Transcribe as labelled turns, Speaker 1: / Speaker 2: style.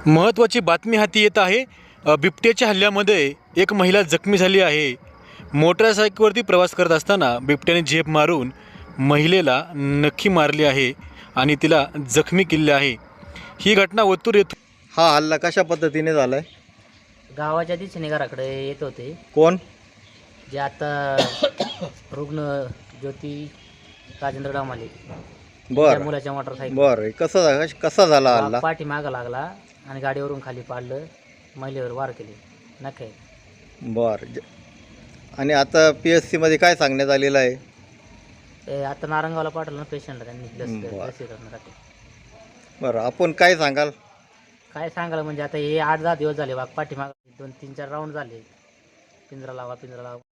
Speaker 1: महत्त्वाची बातमी हाती येत आहे। बिबट्याच्या हल्ल्यामध्ये एक महिला जखमी झाली आहे। मोटरसायकलवरती प्रवास करत असताना बिबट्याने झेप मारून महिलेला नक्की मारली आहे आणि तिला जखमी केले आहे। ही घटना ओतूर येथून।
Speaker 2: हा हल्ला कशा पद्धतीने झालाय?
Speaker 3: गावाच्या दिशेने घराकडे येत होते
Speaker 2: कोण?
Speaker 3: जे आता रुग्ण ज्योती राजेंद्र डामाले त्या
Speaker 2: बर
Speaker 3: मुलाच्या मोटरसायकल
Speaker 2: बर कसा झाला हल्ला?
Speaker 3: पाठी मागं लागला आणि गाडीवरून खाली पाडलं, महिलेवर वार केले नखे।
Speaker 2: बर आणि आता PSC मध्ये काय सांगण्यात आलेलं आहे?
Speaker 3: ते आता नारंगावला पाठवलं ना पेशंटला, त्यांनी
Speaker 2: बरं.
Speaker 3: लसीकरणासाठी।
Speaker 2: बरं, आपण काय सांगाल?
Speaker 3: काय सांगायला म्हणजे आता हे 8-10 दिवस झाले वाघ पाठीमाग 2-3-4 राऊंड झाले, पिंजरा लावा पिंजरा लावा।